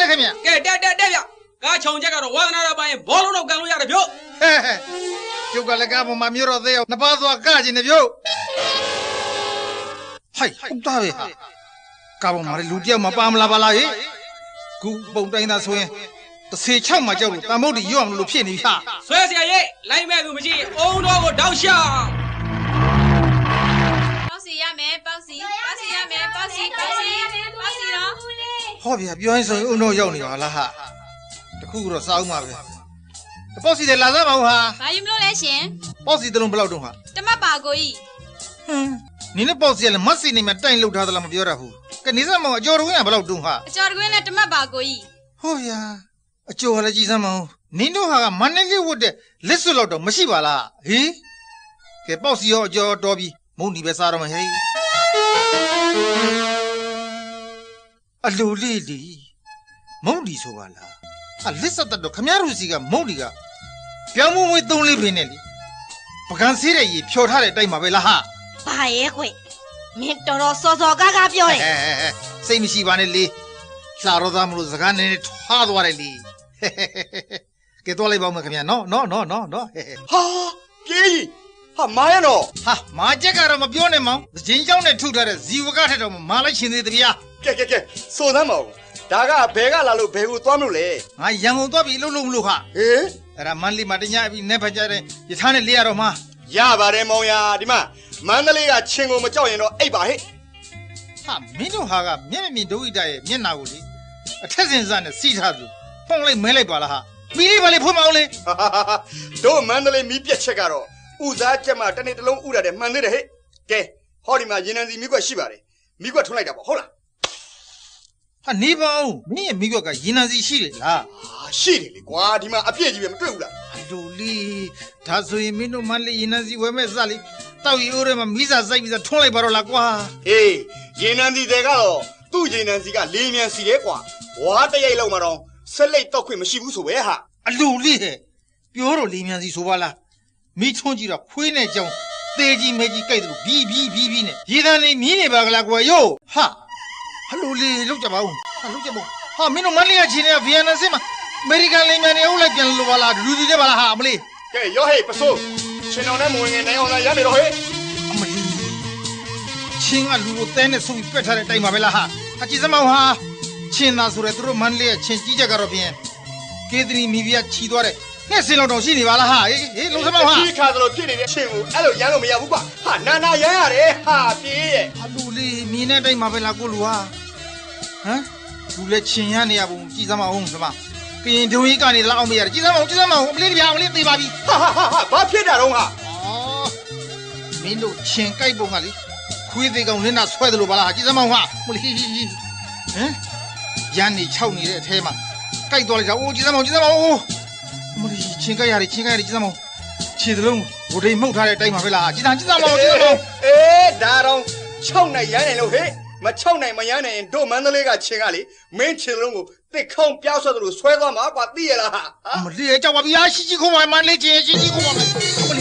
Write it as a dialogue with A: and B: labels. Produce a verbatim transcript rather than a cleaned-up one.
A: ခင်ဗျကဲတက်တက်တက်ဗျကားချုံချက်ကတော့ဝါသနာတော်ပိုင်းဘောလုံးတော့ကန်လို့ရတယ်ဗျဟဲ့ကျုပ်ကလည်းကားပေါ်မှာမြို့တော်သေးအောင်နှစ်ပါးသွားကကျင်နေဗျဟိုက်ဟုတ်သားပဲဟာကားပေါ်မှာလူတယောက်မပါမလားပါလားဟေ့ခုပုံတိုင်းသားဆိုရင်တစ်စေချောက်မှကြောက်လို့တန်ဖို့တီရွတ်အောင်လို့ဖြစ်နေပြီဟာဆွဲเสียရဲ့လိုက်မဲ့သူမရှိအုံတော်ကိုတောက်ရှာ
B: ပေါက်စီရမယ်ပေါက်စီပေါက်စီရမယ်ပေါက်စီပေါက်စီပေါက်စီတော့
A: ဟောဗျာပြောရင်ဆိုရင်အုံတော်ရောက်နေပါလားဟာတခုတော့စားအောင်ပါပဲပေါ့စီတယ်လာစားပါဦးဟာ
B: ဘာယူမလို့လဲရှင်
A: ပေါ့စီတလုံးဘယ်လောက်တုံးဟာ
B: တမတ်ပါကိုကြီး
A: ဟင်းနင်းနဲ့ပေါ့စီကလည်းမတ်စီနေမှာတိုင်လှုပ်ထားသလားမပြောရဘူးကနေစမောင်အကျော်တွင်းကဘယ်လောက်တုံးဟာ
B: အကျော်တွင်းနဲ့တမတ်ပါကိုကြီး
A: ဟောဗျာအကျော်ကလည်းကြည်စမ်းမအောင်နင်းတို့ဟာကမန္တလေးဝတ်တဲ့လက်စွပ်လောက်တော့မရှိပါလားဟေးကဲပေါ့စီရောအကျော်တော်ပြီမုန်ဒီပဲစားတော့မယ်ဟေးအလိုလေးလီမုန်ဒီဆိုပါလားအလစ်စတ်တော့ခမရူစီကမုန်ဒီကပြောင်းမွေးသုံးလေးပင်နဲ့လေပကံဆေးတဲ့ရေဖြော်ထားတဲ့တိုက်မှာပဲလားဟာ
B: ဘာရဲ့ခွေမင်းတော်တော်စောစောကားကားပြောတယ်
A: စိတ်မရှိပါနဲ့လေလှရောသားမလို့စကားနည်းနည်းထွားသွားတယ်လေကဲတော့လိုက်ပါဦးမခင်ဗျာနော်နော်နော်နော်နော်
C: ဟာပြေးဟာမာရနော်
A: ဟာမာချက်ကတော့မပြောနဲ့မောင်ဂျင်းเจ้าနဲ့ထုထားတဲ့ဇီဝကထက်တော့မာလိုက်ရှင်သေးတဗျာ
C: ကဲကဲကဲစိုးသမ်းမအောင်ဒါကဘဲကလာလို့ဘဲကိုသွားမလို့လေ
A: ငါရန်ကုန်သွားပြီလှုပ်လှုပ်မလို့ခဟေးအဲ့ဒါမန္တလေးမှာတညအပြီးနေဖက်ကြတဲ့ရထားနဲ့လေးရတော့မှာ
C: ရပါတယ်မောင်ရဒီမှာမန္တလေးကချင်းကိုမကြောက်ရင်တော့အိပ်ပါဟဲ့
A: ဟာမင်းတို့ဟာကမျက်မမြင်ဒုဝိတရဲ့မျက်နာကိုလေအထက်စင်စနဲ့စီးထားသူဖုံးလိုက်မဲလိုက်ပါလားဟာမီးလေးပါလေဖွင့်မအောင်လေ
C: တို့မန္တလေးမီးပြက်ချက်ကတော့ဥစားချက်မှတနေ့တစ်လုံးဥရတယ်မှန်သေးတယ်ဟဲ့ကဲဟောဒီမှာရေနံစီမီးကွက်ရှိပါတယ်မီးကွက်ထွန်းလိုက်တာပေါ့ဟုတ်လား
A: ဟာနေပါဦးမင်းရဲ့မိကွက်ကရေနံစီရှိတယ်လား
C: ဟာရှိတယ်လေကွာဒီမှာအပြည့်ကြီးပဲမတွေ့ဘူးလား
A: အလိုလေးဒါဆိုရင်မင်းတို့မန္တလေးရေနံစီဝယ်မဲ့စလေးတောက်ရီအိုးထဲမှာမိစာစိုက်ပြီးသားထွန်းလိုက်ပါတော့လားကွာ
C: ဟေးရေနံစီတွေကတော့သူ့ရေနံစီကလေးမြန်စီတယ်ကွာဝါတရိတ်လောက်မှတော့ဆက်လက်တော့ခွင့်မရှိဘူးဆိုပဲဟာ
A: အလိုလေးဟဲ့ပြောတော့လေးမြန်စီဆိုပါလားမိထွန်းကြည့်တော့ခွေးနဲ့ကြောင်သေးကြီးမဲကြီးကြိုက်တယ်လို့ဘီးဘီးဘီးဘီးနဲ့ရေတံလေးမြင်းနေပါကလားကွာယောဟာဟလိုလေးလောက်ကြပါဦးဟာလောက်ကြပါဟာမင်းတို့မန္တလေးကချင်းနေဗီယက်နမ်စစ်မှာအမေရိကန်လေးမြန်နေအုပ်လိုက်ပြန်လို့ပါလားလူစီတဲ့ပါလားဟာအမလေး
C: ကဲရောဟေးပစိုးချင်းတော်နဲ့မဝင်ငယ်နိုင်အောင်လာရနေတော့ဟေး
A: အမလေးချင်းကလူကိုတဲနဲ့ဆုပ်ပြီးပက်ထားတဲ့အတိုင်းပါပဲလားဟာအကြည့်စမောင်ဟာချင်းသားဆိုတဲ့သူတို့မန္တလေးကချင်းကြီးကြကတော့ပြင်ကေသနီမီဗီယာချီသွားတဲ့နဲ့စင်လောက်တော့ရှိနေပါလားဟာဟေးဟေးလုံးစမောင်ဟာ
C: ကြီးခါသလိုဖြစ်နေတဲ့ချင်းကိုအဲ့လိုရမ်းလို့မရဘူးကွာဟာနာနာရမ်းရတယ်ဟာပြေးရဲ့
A: အလူလေးမြင်းတဲ့အတိုင်းပါပဲလားကိုလူဟာဟမ်လူလည်းချင်ရနေရပုံကြည်စမ်းမအောင်စမကရင်ဒုံကြီးကနေလောက်အောင်မရတယ်ကြည်စမ်းမအောင်ကြည်စမ်းမအောင်အမလေးတပြားအမလေးသေးပါပြီ
C: ဟာဟာဟာဘာဖြစ်တာတော့ဟာ
A: အော်မင်းတို့ချင်ကြိုက်ပုံကလေခွေးသေးကောင်လင်းတာဆွဲတယ်လို့ပါလားကြည်စမ်းမအောင်ဟာမလေးဟမ်ရန်နေခြောက်နေတဲ့အထဲမှာကြိုက်သွားလိုက်တာအိုးကြည်စမ်းမအောင်ကြည်စမ်းမအောင်မလေးချင်ကြိုက်ရတယ်ချင်ကြိုက်ရတယ်ကြည်စမ်းမအောင်ခြေသလုံးဘိုဒိန်မှုတ်ထားတဲ့အတိုင်းပါပဲလားကြည်စမ်းကြည်စမ်းမအောင်ကြည်စမ်းမအောင်
C: အေးဒါတော့ခြောက်နိုင်ရမ်းနေလို့ဟဲ့မချောက်နိုင်မရမ်းနိုင်တို့မန္တလေးကချင်းကလေမင်းချင်းလုံးကိုတစ်ခေါင်းပြောက်ဆွဲသလိုဆွဲသွားမှာကွာသိရလား
A: မလေးကြောက်ပါဗျာရှိရှိခုံးပါမလေးချင်းရှိရှိခုံးပါမယ်မ